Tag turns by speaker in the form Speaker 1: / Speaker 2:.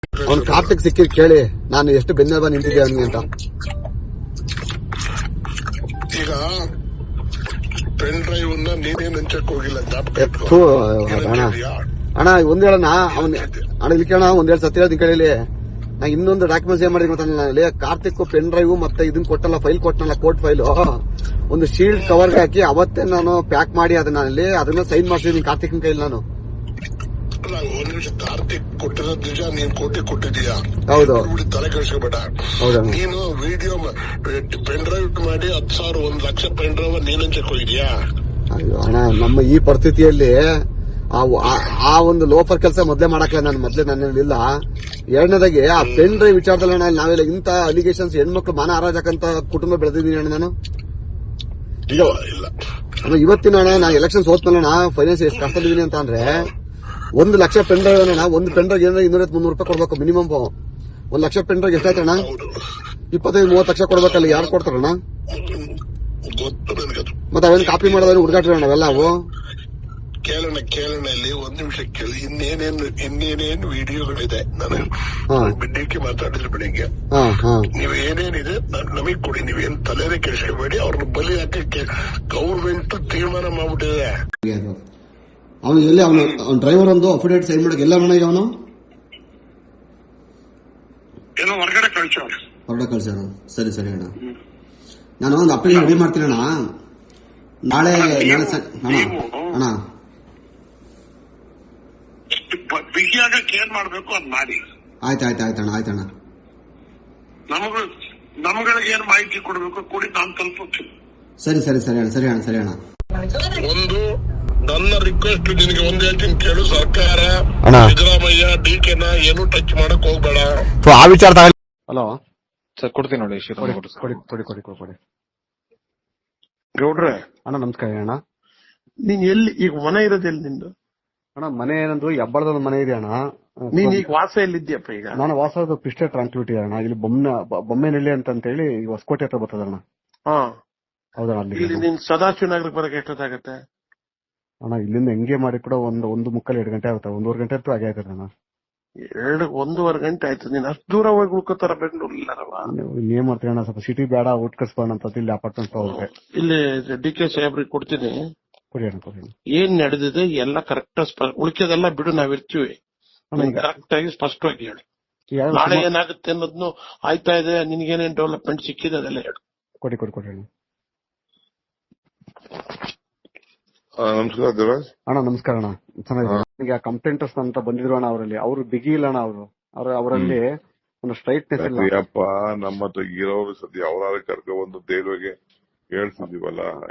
Speaker 1: ಅವ್ನು ಕಾರ್ತಿಕ್ ಸಿಕ್ಕಿದ್ ಕೇಳಿ ನಾನು ಎಷ್ಟು ಬೆನ್ನೆಲುಬ ನಿಂತಿದ್ದೆ ಅವನಿಗೆ ಅಂತ.
Speaker 2: ಈಗ ಪೆನ್ ಡ್ರೈವ್ ನೀನೇನ್ ಹಂಚಕ್ ಹೋಗಿಲ್ಲ.
Speaker 1: ಅಣ್ಣ ಒಂದ್ ಹೇಳಣ್ಣ ಅಣ್ಣ ಇಲ್ಲಿ ಕೇಳೋಣ ಒಂದೆರಡು ಸತಿ ಹೇಳ್ತೀನಿ ಕೇಳಿ. ನಾ ಇನ್ನೊಂದು ಡಾಕ್ಯುಮೆಂಟ್ಸ್ ಏನ್ ಮಾಡಿದ್ವಿ ಗೊತ್ತಿಲ್ಲ, ಕಾರ್ತಿಕ್ ಪೆನ್ ಡ್ರೈವ್ ಮತ್ತೆ ಇದನ್ ಕೊಟ್ಟಲ್ಲ, ಫೈಲ್ ಕೊಟ್ಟನಲ್ಲ, ಕೋರ್ಟ್ ಫೈಲ್ ಒಂದು ಶೀಲ್ಡ್ ಕವರ್ಗೆ ಹಾಕಿ ಅವತ್ತೇ ನಾನು ಪ್ಯಾಕ್ ಮಾಡಿ ಅದನ್ನ ಸೈನ್ ಮಾಡ್ಸಿದೀನಿ ಕಾರ್ತಿಕ್ನ ಕೈಲಿ ನಾನು.
Speaker 2: ಒಂದ್ ನಿಮಿಷ, ಕಾರ್ತಿಕ್ ಕೊಟ್ಟಿರೋದ್ ನಿಜ, ನೀನ್ ಕೋಟಿ ಕೊಟ್ಟಿದೀಯಾ?
Speaker 1: ಹೌದು.
Speaker 2: ತಲೆ ಕೆಡಿಸ್ಕೋಬೇಡ. ನೀನು ವಿಡಿಯೋ ಪೆನ್ ಡ್ರೈವ್ ಮಾಡಿ 10,000 1 ಲಕ್ಷ ಪೆನ್ ಡ್ರೈವ್ ನೀನ್ ಹಂಚಕ್ ಹೋಗಿದ್ಯಾ?
Speaker 1: ಅಯ್ಯೋ ಅಣ್ಣ, ನಮ್ಮ ಈ ಪರಿಸ್ಥಿತಿಯಲ್ಲಿ ಆ ಒಂದು ಲೋಫರ್ ಕೆಲಸ ಮೊದ್ಲೇ ಮಾಡಕ್ಲ ನಾನು ನನ್ನಿಲ್ಲ. ಎರಡನೇದಾಗಿ ಆ ಪೆನ್ ಡ್ರೈವ್ ವಿಚಾರದಲ್ಲಿ ಅಣ್ಣ ನಾವೆಲ್ಲ ಇಂತ ಅಲಿಗೇಷನ್ಸ್ ಹೆಣ್ಮಕ್ಳು ಮಾನ ಹಾರಾಜಕ್ಕಂತ ಕುಟುಂಬ ಬೆಳೆದಿದ್ದೀನಿ ಅಣ್ಣ ನಾನು. ಇವತ್ತಿನ ಅಣ್ಣ ನಾ ಎಲೆಕ್ಷನ್ ಸೋತ್ಮೇಲೆ ಫೈನಾನ್ಸ್ ಎಷ್ಟು ಕಷ್ಟದಿದ್ದೀನಿ ಅಂತ ಅಂದ್ರೆ 1 ಲಕ್ಷ ಪೆನ್ ಡ್ರೈವ್ ಅಣ್ಣ, ಒಂದು ಪೆನ್ ಡ್ರೈವ್ ಏನಾದ್ರೆ 200-300 ರೂಪಾಯಿ ಕೊಡ್ಬೇಕು ಮಿನಿಮಮ್. 1 ಲಕ್ಷ ಪೆನ್ ಡ್ರೈವ್ ಎಷ್ಟಾಯ್ತಣ್ಣ? 25-30 ಲಕ್ಷ ಕೊಡ್ಬೇಕಲ್ಲ, ಯಾರು ಕೊಡ್ತಾರಣ್ಣ? ಮತ್ತೆ ಅವೇನು ಕಾಪಿ ಮಾಡೋದ್ರೆ ಹುಡುಗಾಟ್ರಿ ಅಣ್ಣ ಅವೆಲ್ಲ ಅವು.
Speaker 2: ಕೇಳೋಣ ಇಲ್ಲಿ ಒಂದ್ ನಿಮಿಷ ಕೇಳಿ. ಇನ್ನೇನೇನು ವಿಡಿಯೋಗಳಿದೆ, ನಾನು ಬಿಡ್ಡಿಕ್ಕೆ ಮಾತಾಡಿದ್ರೆ ಬೆಳಿಗ್ಗೆ. ನೀವ್ ಏನೇನಿದೆ ನಮಗ್ ಕೊಡಿ, ನೀವೇನ್ ತಲೆನೇ ಕೆಡಿಸ್ಕೋಬೇಡಿ. ಅವ್ರನ್ನ ಬಲಿ ಹಾಕಕ್ಕೆ ಗೌರ್ಮೆಂಟ್ ತೀರ್ಮಾನ ಮಾಡ್ಬಿಟ್ಟಿದೆ.
Speaker 1: ಅವನು ಎಲ್ಲಿ ಅವನು ಡ್ರೈವರ್ ಒಂದು ಅಫಿಡೇಟ್ ಸೈನ್ ಮಾಡಕ್ ಎಲ್ಲ ಮನೆಗೆ ಅವನು
Speaker 2: ಏನೋ ಹೊರಗಡೆ ಕಳ್ಸ್ಯಾರ.
Speaker 1: ಸರಿ ಅಣ್ಣ, ನಾನು ಒಂದು ಅಪ್ಲಿಕೇಶನ್ ರೆಡಿ ಮಾಡ್ತೀನಿ ಅಣ್ಣ. ನಾಳೆ ಅಣ್ಣ
Speaker 2: ಬಿಗಿಯಾಗಕ್ಕೆ ಏನ್ ಮಾಡ್ಬೇಕು ಅದ್ ಮಾಡಿ.
Speaker 1: ಆಯ್ತಣ್ಣ.
Speaker 2: ನಮ್ಗಳಿಗೆ ಏನ್ ಮಾಹಿತಿ ಕೊಡ್ಬೇಕು ಕೊಡಿ, ನಾನು ತಲುಪುತ್ತೀನಿ.
Speaker 1: ಸರಿ ಅಣ್ಣ.
Speaker 2: ಒಂದು ನನ್ನ ರಿಕ್ವೆಸ್ಟ್ ನಿನಗೆ ಒಂದ್ ಹೇಳ್ತೀನಿ ಕೇಳು. ಸರ್ಕಾರ ಸಿದ್ದರಾಮಯ್ಯ ಡಿಕೆನ ಏನು ಟಚ್ ಮಾಡಕ್ ಹೋಗ್ಬೇಡ.
Speaker 1: ಆ ವಿಚಾರ ಹಲೋ
Speaker 3: ಸರ್, ಕೊಡ್ತೀನಿ ನೋಡಿ.
Speaker 1: ಕೊಡಿ
Speaker 3: ಗೌಡ್ರೆ
Speaker 1: ಅಣ್ಣ, ನಮಸ್ಕಾರ ಅಣ್ಣ.
Speaker 3: ನೀನ್ ಎಲ್ಲಿ ಈಗ ಮನೆ ಇರೋದು? ಎಲ್ಲಿ ನಿಂದು?
Speaker 1: ಅಣ್ಣ ಮನೆ ಏನಂದ್ರು ಹೆಬ್ಬಳದ ಮನೆ ಇದೆ ಅಣ್ಣ.
Speaker 3: ನೀನ್ ಈಗ ವಾಸ ಎಲ್ಲಿದ್ಯಪ್ಪ? ಈಗ
Speaker 1: ನಾನು ವಾಸದ ಪಿಸ್ಟೆ ಟ್ರಾನ್ಸ್ಪಿಟಿ ಅಣ್ಣ. ಇಲ್ಲಿ ಬೊಮ್ಮೆನಹಳ್ಳಿ ಅಂತ ಹೇಳಿ ಹೊಸಕೋಟೆ ಹತ್ರ ಬರ್ತದಣ್ಣ. ಹೌದಣ್ಣ.
Speaker 3: ಅಲ್ಲಿ ನೀನ್ ಸದಾಶಿವನಗರಕ್ಕೆ ಬರಕ್ಕೆ ಎಷ್ಟೊತ್ತಾಗತ್ತೆ
Speaker 1: ಅಣ್ಣ? ಇಲ್ಲಿಂದ ಹೆಂಗೆ ಮಾಡಿ ಕೂಡ 1:30-2 ಗಂಟೆ ಆಗುತ್ತೆ. 1.5 ಗಂಟೆ ಅಂತೂ ಆಗೇ ಆಯ್ತದೆ ಅಣ್ಣ.
Speaker 3: 1.5 ಗಂಟೆ ಆಯ್ತು. ನೀನ್ ಅಷ್ಟು ದೂರ ಹೋಗಿ ಉಳ್ಕೋತಾರ ಬೆಂಗಳೂರಿಲ್ಲವ?
Speaker 1: ಏನ್ ಮಾಡ್ತೀನಿ ಅಣ್ಣ, ಸ್ವಲ್ಪ ಸಿಟಿ ಬೇಡ, ಊಟ ಕಳ್ಸ್ಬೋಣ ಅಂತ ಇಲ್ಲಿ ಅಪಾರ್ಟ್ಮೆಂಟ್ ಹೋಗ್ರೆ.
Speaker 3: ಇಲ್ಲಿ ಡಿ.ಕೆ. ಸಾಹೇಬ್ರಿಗೆ ಕೊಡ್ತೀನಿ.
Speaker 1: ಕೊಡಿ ಅಣ್ಣ.
Speaker 3: ಏನ್ ನಡೆದಿದೆ ಎಲ್ಲ ಕರೆಕ್ಟ್, ಉಳಿಕೆದೆಲ್ಲ ಬಿಡು, ನಾವಿರ್ತೀವಿ. ಕರೆಕ್ಟ್ ಆಗಿ ಸ್ಪಷ್ಟವಾಗಿ ಹೇಳಿ. ನಾಳೆ ಏನಾಗುತ್ತೆ ಅನ್ನೋದ್ನು ಆಯ್ತಾ ಇದೆ, ನಿನ್ಗೇನೇನ್ ಡೆವಲಪ್ಮೆಂಟ್ ಸಿಕ್ಕಿದೆ ಅದೆಲ್ಲ ಹೇಳು.
Speaker 1: ಕೊಡಿ ಅಣ್ಣ.
Speaker 2: ನಮಸ್ಕಾರ ದೇವರಾಜ್
Speaker 1: ಅಣ್ಣ. ನಮಸ್ಕಾರ ಅಣ್ಣ, ಚೆನ್ನಾಗಿದೆ. ಈಗ ಕಂಪ್ಲೇಂಟರ್ಸ್ ಅಂತ ಬಂದಿದ್ರು ಅಣ್ಣ, ಅವರು ಬಿಗಿ ಇಲ್ಲ ಅಣ್ಣ. ಅವರಲ್ಲಿ ಒಂದು ಸ್ಟ್ರೈಟ್ನೆಸ್ ಇಲ್ಲ.
Speaker 2: ನಮ್ಮ ಹತ್ರ ಇರೋರು ಸದ್ಯ ಅವರಾದ್ರೆ ಕರ್ಕೊಂಡು ಒಂದು ದೇವ್ರಿಗೆ ಹೇಳ್ತಿದೀವಲ್ಲ.